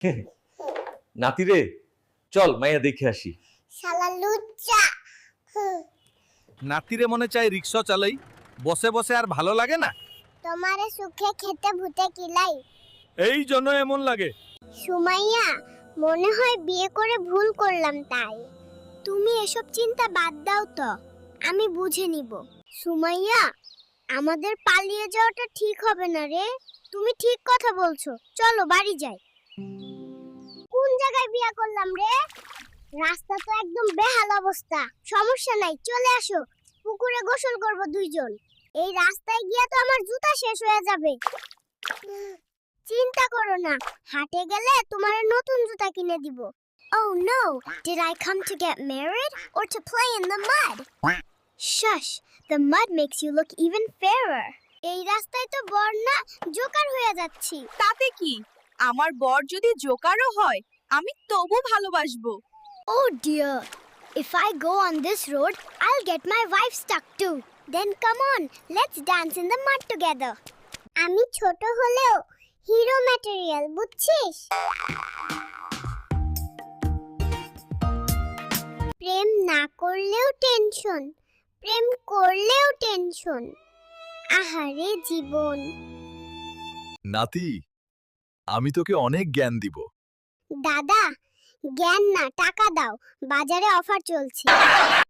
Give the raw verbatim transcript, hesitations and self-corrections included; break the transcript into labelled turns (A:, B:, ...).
A: নাতি রে, চল মাইয়া দেখে আসি।
B: শালা লুচ্চা।
C: নাতিরে মনে চাই রিক্সা চালাই, বসে বসে আর ভালো লাগে না।
B: তোমারে সুখে খেতে ভূতে কিলাই।
C: এই জন্য এমন লাগে।
B: সুমাইয়া, মনে হয় বিয়ে করে ভুল করলাম তাই। তুমি এসব চিন্তা বাদ দাও তো, আমি বুঝে নিব। সুমাইয়া, আমাদের পালিয়ে যাওয়াটা ঠিক হবে না রে। তুমি ঠিক কথা বলছো, চলো বাড়ি যাই। কোন জায়গায় বিয়ে করলাম রে? রাস্তা তো একদম বেহাল অবস্থা। সমস্যা নাই, চলে আসো, পুকুরে গোসল করব দুইজন। এই রাস্তায় গিয়ে তো আমার জুতা শেষ হয়ে যাবে। চিন্তা করো না, হাটে গেলে তোমার নতুন জুতা কিনে দিব। Oh no, did I come to get married or to play in the mud? Shush, the mud makes you look even fairer. এই রাস্তায় তো বন্যা জোকার হয়ে যাচ্ছি।
D: তাতে কি, আমার বর যদি জোকারও হয় আমি তবু ভালোবাসবো।
B: Oh dear, if I go on this road, I'll get my wife stuck too. Then come on, let's dance in the mud together. আমি ছোট হলেও হিরো ম্যাটেরিয়াল, বুঝছিস? প্রেম না করলেও টেনশন, প্রেম করলেও টেনশন। আহারে জীবন।
C: নাতি, আমি তোকে অনেক জ্ঞান দিব।
B: দাদা, জ্ঞান না টাকা দাও, বাজারে অফার চলছে।